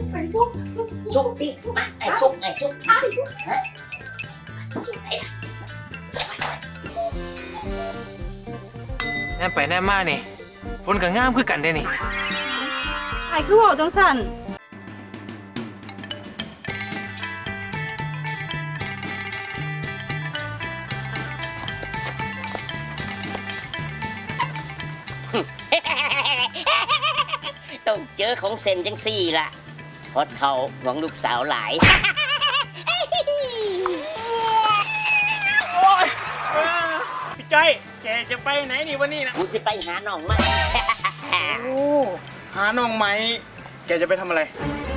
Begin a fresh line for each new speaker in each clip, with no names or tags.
ซุกดิมาไอ้ซุกฮะซุกไอ้
แน่ไปแน่มานี่ฝนก็งามคือกันได้นี่
ไอ้คือว่าจังสั่น
ต้องเจอของเซนจังสี่ล่ะเพราะเขาหวังลูกสาวหลาย
โอ้ยพี่จ้อยแกจะไปไหนนี่วันนี้นะ
กูจะไปหาน้องมา
โอ้หาน้องไหมแกจะไปทำอะไร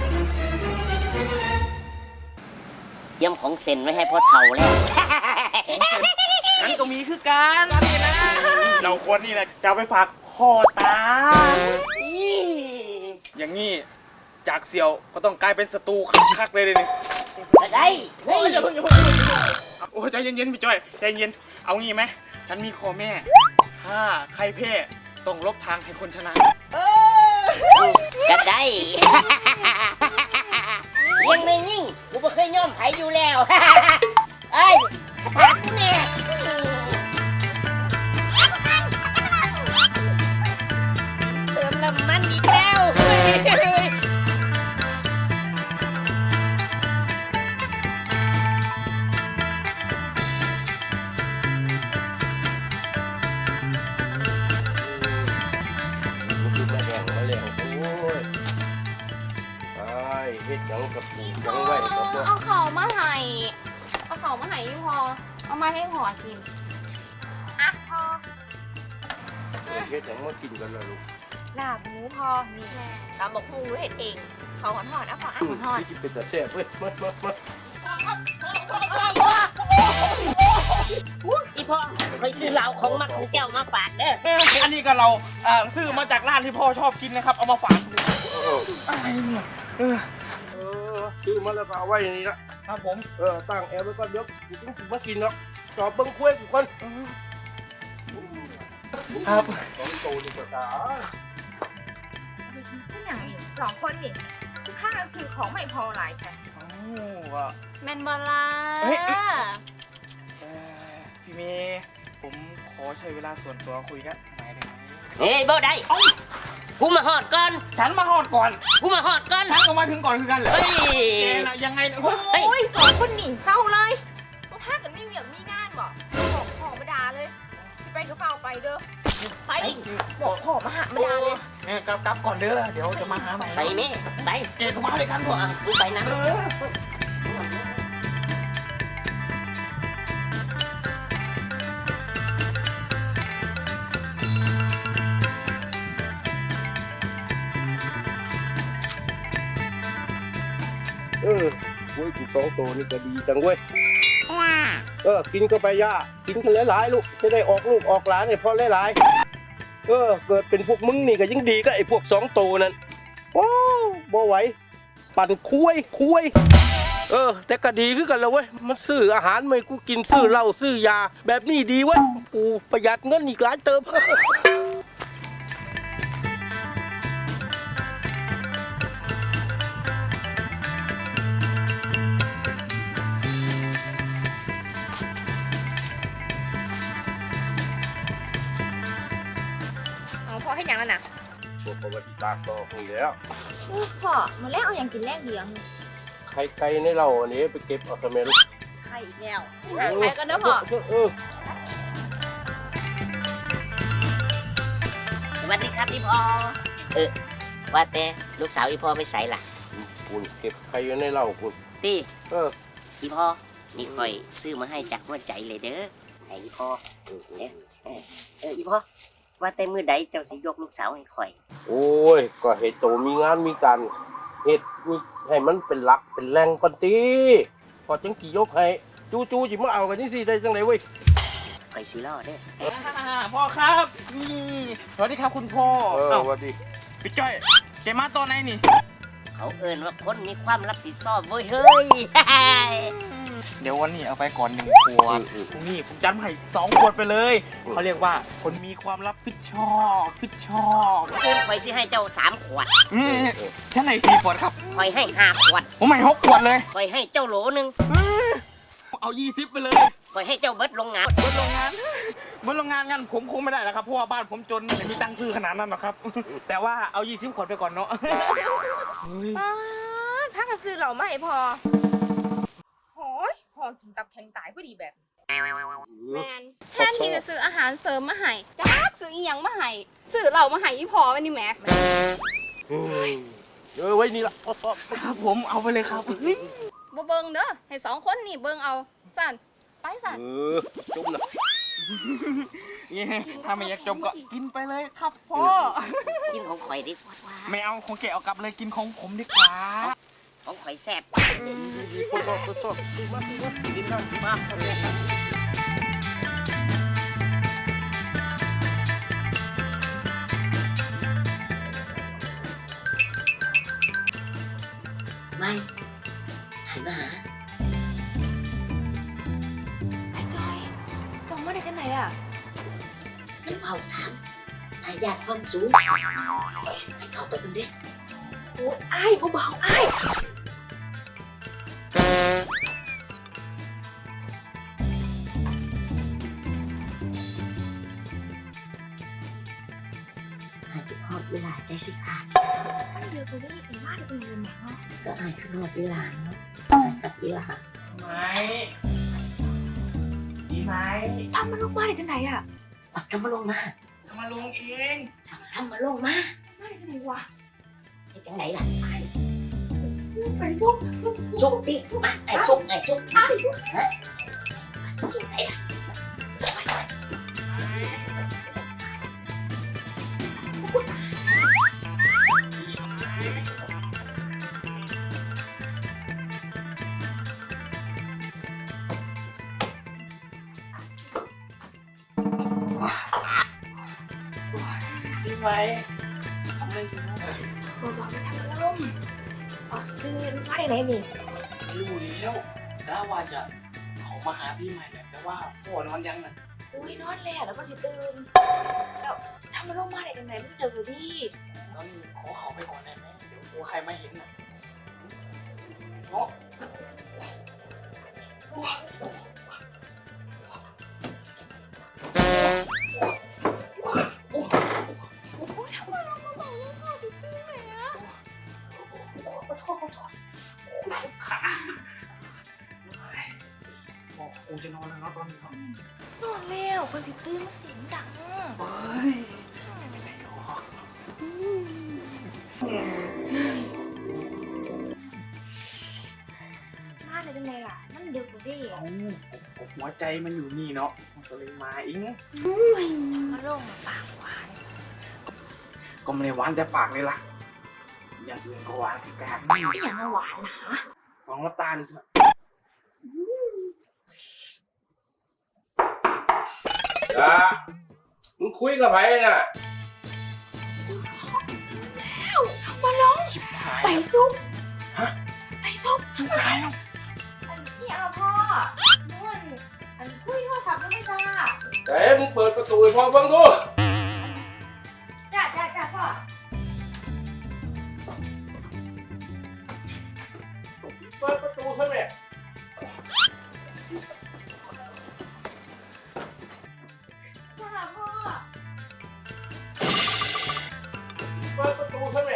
เตรียมของเซนไว้ให้พ่อเฒ่าแล้ว
นั้นก็มีคือการนี่นะเราควรนี่นะจะเอาไปฝากพ่อตา อย่างนี้จากเสี่ยวก็ต้องกลายเป็นศัตรูคักๆเลยนี่
ได้เฮ้ย
อย่าเพิ่งโอ้ใจเย็นๆพี่จ้อยใจเย็นเอางี้ไหมฉันมีคอแม่ถ้าใครแพ้ต้องลบทางให้คนชนะ
ก็ได้ ยังไม่ยิ่งกูไม่เคยย่อมไผอยู่แล้ว เอ้ยถามกูเนี่ยเติมน้ำมันอีกแล้ว
มาแดงมาแล้วโอ้ยไอ้เฮ็ดหยังกับปูยังไว้กับบ่
เอาเขามาให้เอาเขามาให้พอเอามาให้พอกินอ่ะพอ
เฮ็ดหยังมากินกันล่ะลูก
ลาบหมูพอนี่ตำบักหุ่งรู้เห็ดเองเขาหอนๆนะพออ่ะหอน
ที่เป็นตาแซ่บเว้ยมา
อีพ่อเคยซื้อเหล้าของมักของแก้วมาฝากเด้อ
อันนี้ก็เราซื้อมาจากร้านที่พ่อชอบกินนะครับเอามาฝาก อะไรเนี่ย
ซื้อมาแล้วก็เอาไว้นี่ละ
ครับผม
ตั้งแอร์ไว้ก่อนเดี๋ยวกูต้องกินมากินเนาะจอบเบิ่งคุ้ยกูก่อน
ครับ
สองโตนี่ก็ตา
ผู้อย่างนี่สองคนนี่ข้างกันซื้อของไม่พอหลายแต่
แมนบอลล่า
พี่เมย์ผมขอใช้เวลาส่วนตัวคุยกันหน่อยได้ไหม
เฮ้ยบ่ได้กูมาหอดก่อน
ฉันมาหอดก่อน
กูมาหอดก่อน
ฉันก็มาถึงก่อนคือกันเหรอ
เฮ้ย
แกน่ะยังไงเนี่ย
เฮ้ย
โอ้ยสองคนนี่เศร้าเลยมาพากันไม่เวียงมีงานบ่บอกพ่อมาด่าเลยพี่ไปก็เฝ้าไปเด้อไปบอกพ่อมาหามาด่าเลย
เนี่ยกลับก่อนเด้อเดี๋ยวจะมาหาใหม่
ไปแม่ไป
แกก็มาเลยกันก่อน
กูไปนะ
คุ้ยกูสองโตนี่ก็ดีจังเว้ยกินก็ไปย่ากินกันหลายๆลูกจะได้ออกลูกออกหลานให้พ่อหลายๆเกิดเป็นพวกมึงนี่ก็ยิ่งดีก็ไอ้พวกสองโตนั่นโอ้บ่ไหวปั่นคุยแต่ก็ดีคือกันแล้วเว้ยมันซื้ออาหารไม่กูกินซื้อเหล้าซื้อยาแบบนี้ดีเว้ยกูประหยัดเงินอีกหลายเติม
เอาพ่อให้ยังแล้วนะ
พวกประวัติศาสตร์ต่อคงแล้ว
พ่อมาแล้วเอาอย่างกินแรกเดียว
ไข่ไก่ในเราอันนี้ไปเก็บเอาทำไมลูก
ไข่อีกแล้วไข่ก็เด้อพ่อ
สวัสดีครับพี่พ่อว่าแต่ลูกสาวอีพ่อไม่ใส่ล่ะ
คุณเก็บไข่อยู่ในเราคุณ
ตี
เออ
อีพ่อนี่คอยซื้อมาให้จากหัวใจเลยเด้อให้อีพ่ออีพ่อว่าแต่มื้อใดเจ้าสิยกลูกสาวให้คอย
โอ้ยก็เหตุโตมีงานมีการเหตุให้มันเป็นหลักเป็นแรงก่อนตีพอจังกี่ยกให้จูจิมาเอากันนี่สิได้จังไหนเว้ย
คอยสิรอเด้อ
พ่อครับนี่สวัสดีครับคุณพ่อ
สวัสดี
พี่จ้อยแกมาตอนไหนนี่
เขาเอิ้นว่าคนมีความรับผิดชอบเว้ยเฮ้ย
เดี๋ยววันนี้เอาไปก่อน1 ขวดพรุ่งนี้ผมจัดมาให้2 ขวดไปเลยเขาเรียกว่าคนมีความรับผิดชอบ
คอยสิให้เจ้า3 ขวด
ฉันให้4 ขวดครับ
คอยให้5 ขวด
ผมให้6 ขวดเลย
คอยให้เจ้าโหลนึง
เอา20ไปเลย
คอยให้เจ้าเบิดโรงงาน
บนโรงงานงั้นผมคงไม่ได้แล้วครับเพราะว่าบ้านผมจนไม่มีตังค์ซื้อขนาดนั้นหรอกครับ แต่ว่าเอา20 ขวดไปก่อนเนาะ
ป้าดพากันซื้อเหล่ามาให้พอโอ้ยพอกินตับแข็งตายพอดีแบบ
แมนแทนที่จะซื้ออาหารเสริมมาให้จักซื้ออีหยังมาให้ซื้อเหล้ามาให้อีพอวันนี้แหม่
ไว้นี่ละ
ครับผมเอาไปเลยครับ
บ่เบิ่งเด้อให้2 คนนี่เบิ่งเอาสั่นไปสั่น
จุ่มนะ
นี่ถ้าไม่อยากจมก็กินไปเลยครับพ่อ
กินของข่อยดีกว่า
ไม่เอาของแกเอากลับเลยกินของผมดีกว่า
ของข่อยแซ่บ
ทดสอบดีมาก
กินแล้วดีมากไม่หันมาหา
ไอ้จอยจองมาได้จังไหนอ่ะ
ให้เฝ้าถามอาญาติความสูงให้เข้าไปตรงนี้
โอ้ยไอ้เบาๆไอ้
หายไปฮอดเวลาใจสิขาด
เดี๋ยวกูได้ยินว่าเดี๋ยวกูเงินหนักเนาะ
ก็หายขึ้นฮอดเวลาเนาะหายกับเวลา
ไม่ดีไหม
ทำมันลงมาได้จังไหนอ่ะ
ปักทำมาลงมา
ทำมาลงเอง
ทำมาลงมา
มาได้จังไหนวะ
ไอ้จังไหนล่ะ
ไปซุก
ซุกดิมาไอ้ซุกฮะซุกไหนล่ะ
ดีไหมทำอะไรสิ
บอกไปทำมันลงออกซื้อมาได้ไหนนี่
ไม่รู้แล้วแต่ว่าจะขอมาหาพี่ใหม่เนี่ยแต่ว่าพ่อนอนยังน่ะ
อุ้ยนอนแล้วแล้วก็จะตื่นแล้วทำมันลงมาได้จังไหนไม่เจอกูดิ
ตอนนี้ขอเขาไปก่อนได้ไหมเดี๋ยวกลัวใครมาเห็นน่ะเนาะ
โอ้ยทำมันลงมาบอกว่าพ่อจะตื่นไหนอ่ะขอโทษ
ขาบอกกูจะนอนแล้วเนาะตอนนี้ครับ
นอนแล้วคนสิตื่นมาเสียงดัง
เฮ้ยไม่ออก
มาได้จังไหนล่ะมันดึกกูดิ
เอ้าหัวใจมันอยู่นี่เนาะมันก็เลยมาอิง
มาลงมาปากหวาน
ก็ไม่ได้หวานแต่ปากเลยล่ะอย่างอื่นก็หวานสิการ
ไม่อยากมาหวานนะ
ลองรับตาดูสิ
จ้ามึงคุยกับไผน่ะ
มาลง
ชิบหาย
ไปซุป
ฮะ
ไปซุป
ชิบหายแล้ว
นี่เอาพ่อม่วนอันคุยโทรศัพท์ยังไม่จ้า
แต่มึงเปิดประตูให้พ่อเบิ่งดู
จ้าพ่อ
เปิดประตูซะแม่
จ้าพ่อ
เปิดประตูซะแม่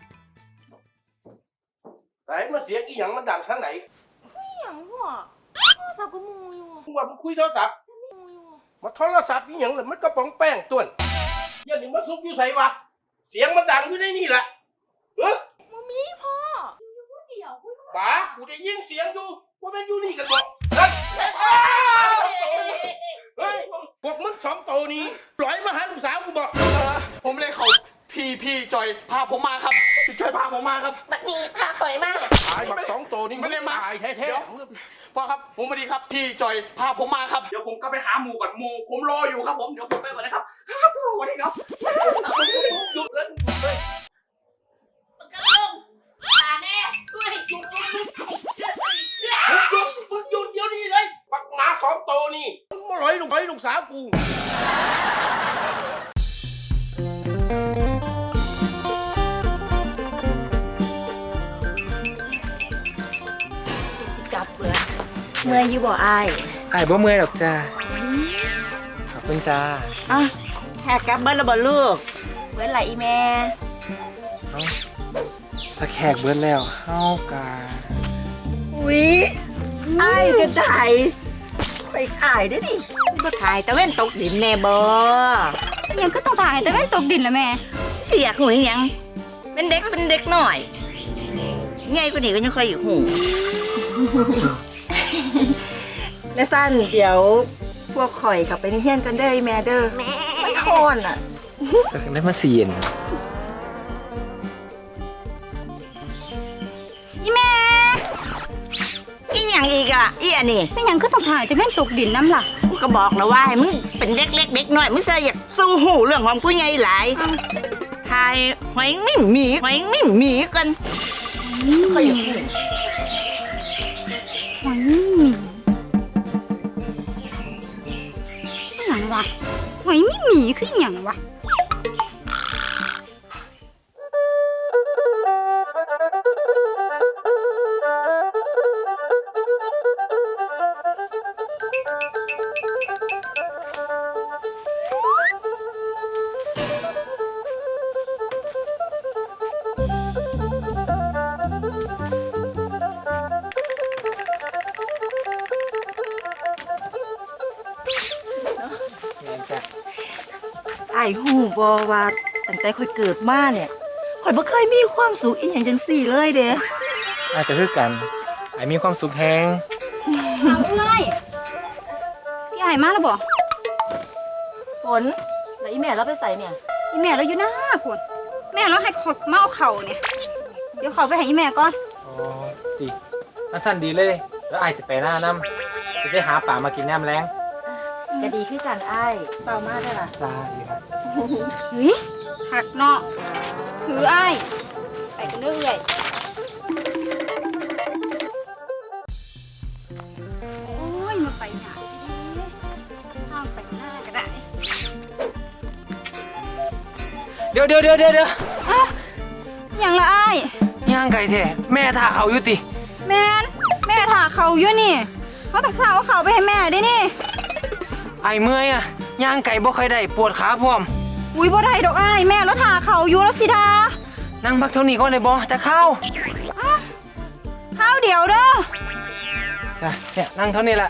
ไหนมันเสียงอีหยังมันดังทางไหน
อีหยังพ่อโทรศัพท์ก็มูอยู่
มึงว่ามึงคุยโทรศัพท์
มูอยู่
มาโทรศัพท์อีหยังล่ะมันกระป๋องแป้งต้วนเดี๋ยวนี้มันซุกอยู่ไสวะเสียงมันดังอยู่ในนี่แหละเฮ้ย
มามีพ่ออยู่คนเดียวคุย
ป๋ากูได้ยินเสียงอยู่ว่ามันอยู่นี่กันบ่นั่นเฮ้ยพวกมึง2 ตัวนี้ปล่อยมาหาลูกสาวกูบอก
ผมเลยเขาพี่จอยพาผมมาครับพี่จอยพาผมมาครับ
บัดนี้พาข่อยมา
ตายบัก2 ตัวนี้
ไม่ได้มา
ตายแท้
เดี๋ยว พ่อครับผมสวัสดีครับพี่จอยพาผมมาครับเดี๋ยวผมก็ไปหาหมูก่อนหมูผมรออยู่ครับผมเดี๋ยวผมไปก่อนนะครับสวัสดีครับ
ๆหยุดเลยหยุดเลย
มันก็ลงตาแน่ด้วยหยุด
มึงหยุดเดี๋ยวลูกสาวกู
สิกลับเบื่อเมื่อยอยู่บ่อาย
อ้ายบ่เมื่อยหรอกจ้าขอบคุณจ้า
อ่ะแขกกลับเบิ้ลแล้วบ่ลูกเบิ้ลไหลอีแม่
ถ้าแขกเบิดแล้วเฮากา
อุ๊ยอายก็ได้ไปขายได้ดิบ่ขายตะเว้นตกดินแน่บ่
ยังก็ต้องถ่ายแต่ไม่ตกดินละแม่
เสียกหูอีหยังเป็นเด็กหน่อยไงกว่านี้ก็ยังเคยอยู่หู แม่สั้นเดี๋ยวพวกข่อยขับไปในเฮียนกันเด้อไอ้แม่เด้อมันโคนอ่ะ
ก็ได้มาเสียน
อีแม่
อีหยังอีกอ่ะอีอันนี้
ไม่ยังก็ต้องถ่ายแต่ไม่ตกดินน้ำล่ะ
กูก็บอกแล้วว่าให้มึงเป็นเด็กเล็กเด็กน้อยมึงเสียอยากสู้หูเรื่องของผู้ใหญ่หลายทายหอยนิ่มหมีกันข่อยอยู่หู
หอยอหย่างวะหอยไม่หนีคืออหย่างวะ
ไอ้หูบอว่าตั้งแต่ข่อยเกิดมาเนี่ยข่อยบ่เคยมีความสุขอีหยังจังสี่เลยเด้
อาจจะคือกันอ้ายมีความสุขแฮง
เอาเอ้ยพี่ไอ้มาแล้วบ่
ฝนแล้วอีแม่เราไปใส่เนี่ย
อีแม่เราอยู่หน้าคุณแม่เราให้ขอมาเอาเข่าเนี่ย เดี๋ยวเขาไปให้อีแม่ก่อน
อ๋อติอันสั้นดีเลย แล้วอ้ายสิไปหน้านำสิไปหาป่ามากินน้ำแรง
ก็ดีขึ้นกันไอ้ายเปล่ามาได้ล่ะ
จ้าดีครับ
เฮ้ยหักเนาะถือไอ้ไปกันเรื่อยโอ้ยมาไปหนาดีๆห้ามไปหน้าก็ได้
เดี๋ยว
อย่างละไอ้
ย่างไก่แท้แม่ท่าเขาอยู่ติ
แม่ถ่าเขาอยู่นี่เขาต้องถ่าเอาเขาไปให้แม่ดินี่
ไอ้เมื่อยอะย่างไก่บ่ค่อยได้ปวดขาพร้อม
อุ้ยบ่ได้ดอกไอ้แม่แล้วถ่าเขาอยู่แล้วสิดา
นั่งพักเท่านี้ก่อนได้บ่จะเข้า
ข้าวเดี๋ยวเด้อ
จ้ะเนี่ยนั่งเท่านี้แหละ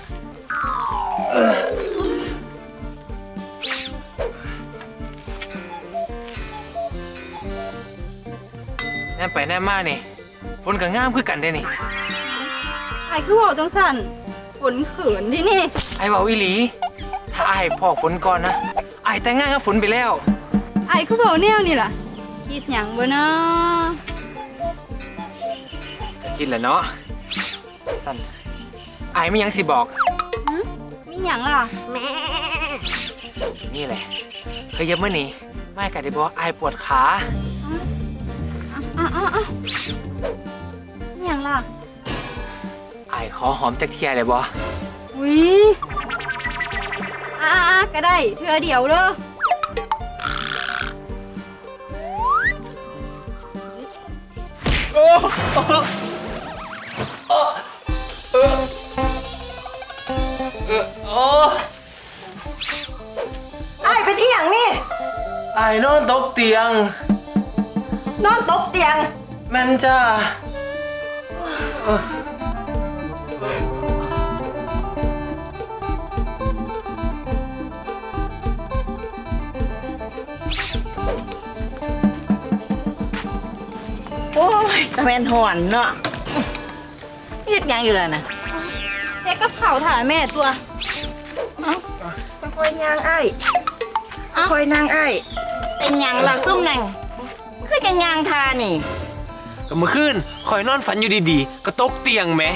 แน่ไปแน่มานี่ฝนก็งามคือกันได้นี่
ไอ้คือบอกจังสันฝนเขินดินี่
ไอ้เบาอีหลี ถ้าไอ้พ่อฝนก่อนนะไอ้แต่งงานกับฝนไปแล้ว
ไอ้คือบอกแนวนี่ล่ะคิดหยังบ่เนาะ
ก็คิดแหละเนาะสั้นไอ้ไม่ยังสิบอก
มีหยังล่ะ
นี่แหละเคยเย็บมื่อนี้ไม่กัดได้บอกไอ้ปวดขา
มีหยังล่ะ
ไอ้ขอหอมจากเทียได้บ่
อุ้ยก็ได้เธอเดี๋ยวเด้อ
ไอ้ายเป็นอีหยังนี่
ไอ้นอนตกเตียง
นอนตกเตียง
แม่นจ้า
โอ้ยตะแมนหอนเนาะเฮ็ดหยังอยู่ล่ะนะ
เฮ็ดกับข้าวถ่ายแม่ตัว
ค่อยๆย่างไอ้ค่อยๆนั่งไอ้เป็นหยังล่ะซุ่มนั่งคือจะย่างทานี่
ก็เมื่อคืนคอยนอนฝันอยู่ดีๆ ก็ตกเตียงแหม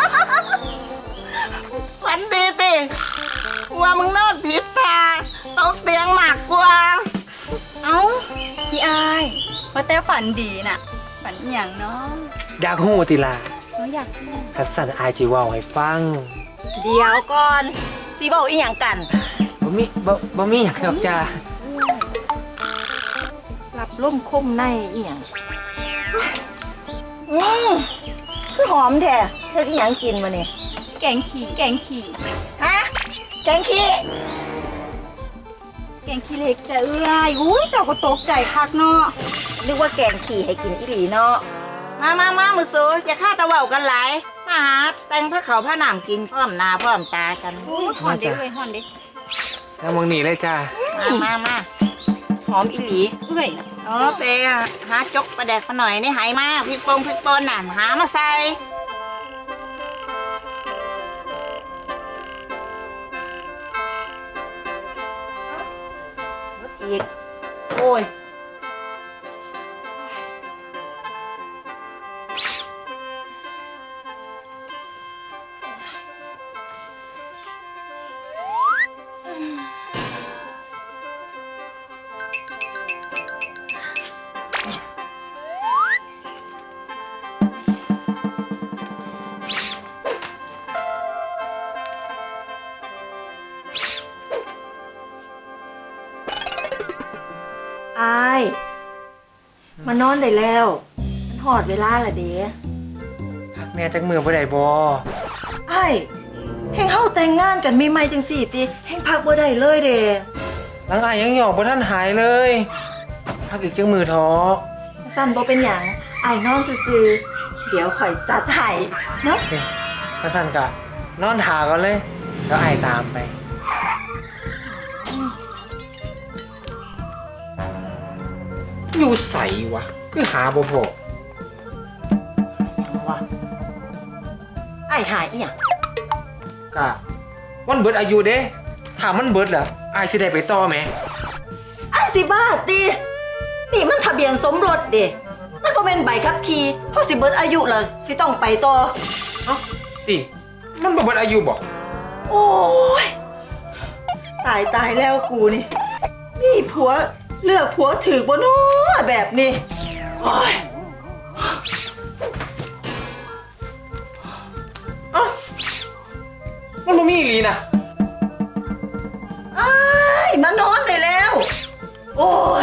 ฝันดีติว่ามึงนอนผิดทาตกเตียงมากกว่า
เอ้าพี่อายเพราะแต่ฝันดีน่ะ ฝันอหย่างเนาะ
อยากหูติลา
หนูอยากรู้
คัสสันอายจิเว่าให้ฟัง
เดี๋ยวก่อนสิเว้าอีหยังกัน
โอ้บ่มีอยากดอกจ้า
รับล่มคมในอีหยังคือหอมแท้เฮ็ดอีหยังกินมาเนี่ย
แกงขี่
ฮะแกงขี้
แกงขี้เหล็กจะเอื้อยอุ้ยเจ้าก็ตกใจคักเนาะ
นึกว่าแกงขี้ให้กินอีหลีเนาะมามือสูอย่าฆ่าตะเว้ากันหลายมาหาแต่งผ้าขาวผ้าหนามกินพร้อมหน้าพร้อมตากัน
อุ้ยห่อนเด็กเลยห่อนเด็ก
แล้วมึงหนีเลยจ้า
มาหอมอีหลี
เอื้อยนะ
อ๋อไปหาจกปลาแดกมาหน่อยนี่หายมาพริกปนน่ะหามาใส่อีกโอ้ยอายมานอนได้แล้วมันหอดเวลาละเด้
พักแม่จักมือบ่ได้บ่
ไอ้แห่งเฮาแต่งงานกันมีไม่จังสี่ติแห่งพักบ่ได้เลยเด้
หลังอายยังหยอกบ่ทันหายเลยพักอีกจักมือท้อ
สั่นบ่เป็นหยังไอ้ายนอนซื่อๆเดี๋ยวข่อยจัดให้เนาะ
เด้กระสั่นกะนอนถาก่อนเลยแล้วอายตามไปอยู่ใสวะคือหาบ่พอ
ว่าไอ้ายหายอีหยัง
กะมันเบิดอายุเด้ถ้ามันเบิดล่ะอายสิได้ไปต่อแหม
ไอ้ายสิบ้าตินี่มันทะเบียนสมรสเด้มันบ่แม่นใบขับขี่พอสิเบิดอายุแล้วสิต้องไปต่อ
เอ้าติมันบ่เบิดอายุบ่
โอ้ยตายแล้วกูนี่มีผัวเลือกผัวถือบ่เนาะแบบนี้โอ้ย
เอ้ามันบ่มีอีหลีนะ
อ้ายมานอนได้แล้ว โอ้ย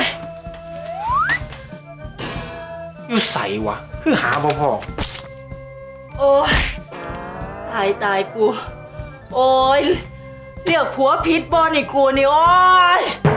อยู่ใสวะคือหาบ่พอ
โอ้ยตายกู โอ้ยเรียกผัวผิดบ่นี่กูนี่โอ้ย